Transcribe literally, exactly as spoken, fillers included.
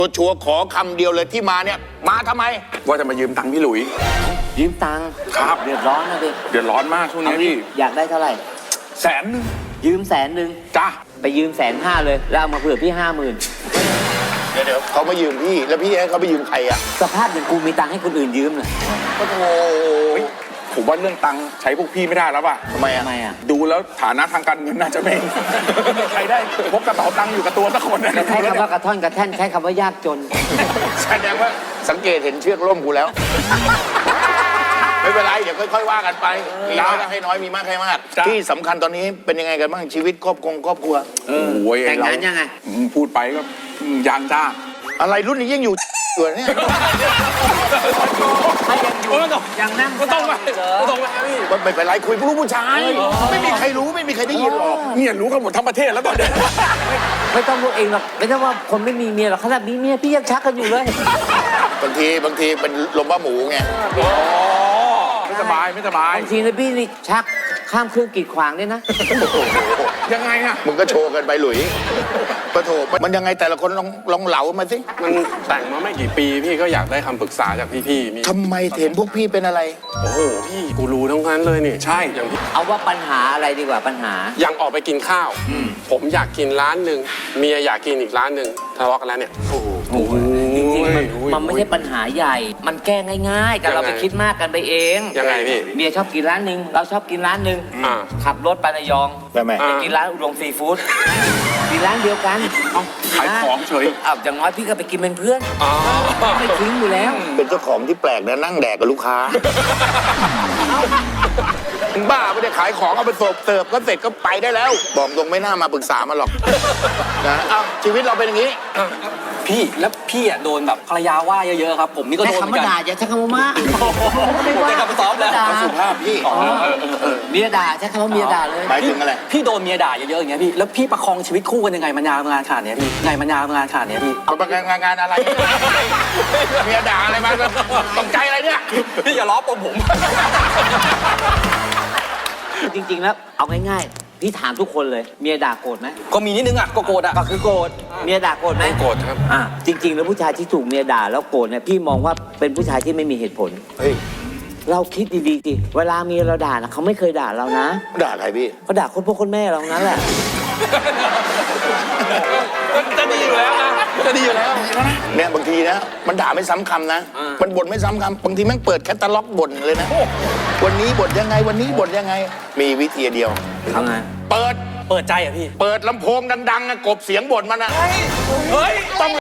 ตัวชัวร์ขอคำเดียวเลยที่มาเนี่ยมาทำไมว่าจะมายืมตังค์พี่หลุยยืมตังค์ครับเดือดร้อนนะดิเดือดร้อนมากช่วงนี้พี่อยากได้เท่าไหร่แสนนึงยืมแสนหนึ่งจ้าไปยืมแสนห้าเลยแล้วเอามาเผื่อพี่ห้าหมื่นเดี๋ยวเดี๋ยวเขามายืมพี่แล้วพี่ให้เขาไปยืมใครอ่ะสภาพอย่างกูมีตังค์ให้คนอื่นยืมเลยโอ้โหผมว่าเรื่องตังค์ใช้พวกพี่ไม่ได้แล้วป่ะทำไมอ่ะทำไมอ่ะดูแล้วฐานะทางการเงินน่าจะไม่ใครได้พกกระเป๋าตังค์อยู่กับตัวสักคนนะใช้คำว่ากระท่อนกระแท่นใช้คำว่ายากจนแสดงว่าสังเกตเห็นเชือกร่มกูแล้วไม่เป็นไรเดี๋ยวค่อยๆว่ากันไปมีน้อยก็ให้น้อยมีมากให้มากที่สำคัญตอนนี้เป็นยังไงกันบ้างชีวิตครอบครัวครอบครัวแต่งงานยังไงพูดไปก็ยังจ้าอะไรรุ่นนี้ยังอยู่อยู่เนี่ยไม่ยังอยู่ยังนั่งก็ต้องไปก็ต้องไปพี่ไม่เป็นไรคุยผู้รู้ผู้ชายไม่มีใครรู้ไม่มีใครได้ยินหรอกเนี่ยรู้กันหมดทั้งประเทศแล้วตอนนี้ไม่ต้องรู้เองหรอกไม่ต้องว่าคนไม่มีเมียหรอกขนาดมีเมียพี่ยังชักกันอยู่เลยบางทีบางทีเป็นลมบ้าหมูไงไม่สบายไม่สบายบางทีนะพี่นี่ชักข้ามเครื่องกีดขวางด้วยนะยังไงอะมึงก็โชว์กันไปหลุยปะโถมันยังไงแต่ละคนลองลองเหลามาสิมันแต่งมาไม่กี่ปีพี่ก็อยากได้คำปรึกษาจากพี่ๆมีทำไมเห็นพวกพี่เป็นอะไรโอ้โหพี่กูรู้ทั้งนั้นเลยนี่ใช่อย่างพี่เอาว่าปัญหาอะไรดีกว่าปัญหายังออกไปกินข้าวผมอยากกินร้านหนึ่งเมียอยากกินอีกร้านหนึ่งทะเลาะกันแล้วเนี่ยโอ้โหจริงๆมันไม่ใช่ปัญหาใหญ่มันแก้ง่ายๆแต่เราไปคิดมากกันไปเองยังไงพี่เมียชอบกินร้านหนึ่งเราชอบกินร้านหนึ่งขับรถไประยองไปกินร้านอุดมซีฟู้ดกินร้านเดียวกันขายของเฉยอ้าวอย่างน้อยพี่ก็ไปกินเป็นเพื่อนไม่ทิ้งอยู่แล้วเป็นเจ้าของที่แปลกนะนั่งแดกกับลูกค้าบ้าไม่ได้ขายของเอาไปเสิร์ฟเสิร์ฟก็เสร็จก็ไปได้แล้วบอกตรงไม่น่ามาปรึกษามาหรอกนะเอ้าชีวิตเราเป็นอย่างนี้พี่แล้วพี่อ่ะโดนแบบภรรยาว่าเยอะๆครับผมนี่ก็โดนเหมือนกันใช้คำว่าด่าอย่าใช้คำว่ามาไม่ได้กลับไปซ้อมแล้วสุภาพพี่เมียด่าใช้คำว่าเมียด่าเลยหมายถึงอะไรพี่โดนเมียด่าเยอะๆอย่างเงี้ยพี่แล้วพี่ประคองชีวิตคู่กันยังไงมานานงานขนาดนี้พี่ไงมานานงานขนาดนี้พี่เอางานงานอะไรเมียด่าอะไรมาตกใจอะไรเนี่ยพี่อย่าล้อปมผมจริงๆแล้วเอาง่ายๆพี่ถามทุกคนเลยเมียด่าโกรธไหมก็มีนิดนึงอ่ะก็โกรธอ่ะก็คือโกรธเมียด่าโกรธไหมโกรธครับอ่ะจริงๆแล้วผู้ชายที่ถูกเมียด่าแล้วโกรธเนี่ยพี่มองว่าเป็นผู้ชายที่ไม่มีเหตุผลเฮ้ยเราคิดดีๆสิเวลาเมียเราด่านะเขาไม่เคยด่าเรานะด่าใครพี่เขาด่าคนพ่อคนแม่เรานั้นแหละจะดีอยู่แล้วนะจะดีอยู่แล้วเนี่ยบางทีนะมันด่าไม่ซ้ำคำนะมันบ่นไม่ซ้ำคำบางทีแม่งเปิดแคตตาล็อกบ่นเลยนะวันนี้บ่นยังไงวันนี้บ่นยังไงมีวิธีเดียวทำไงเปิดเปิดใจอ่ะพี่เปิดลำโพงดังๆกบเสียงบ่นมันอ่ะเฮ้ยต้อง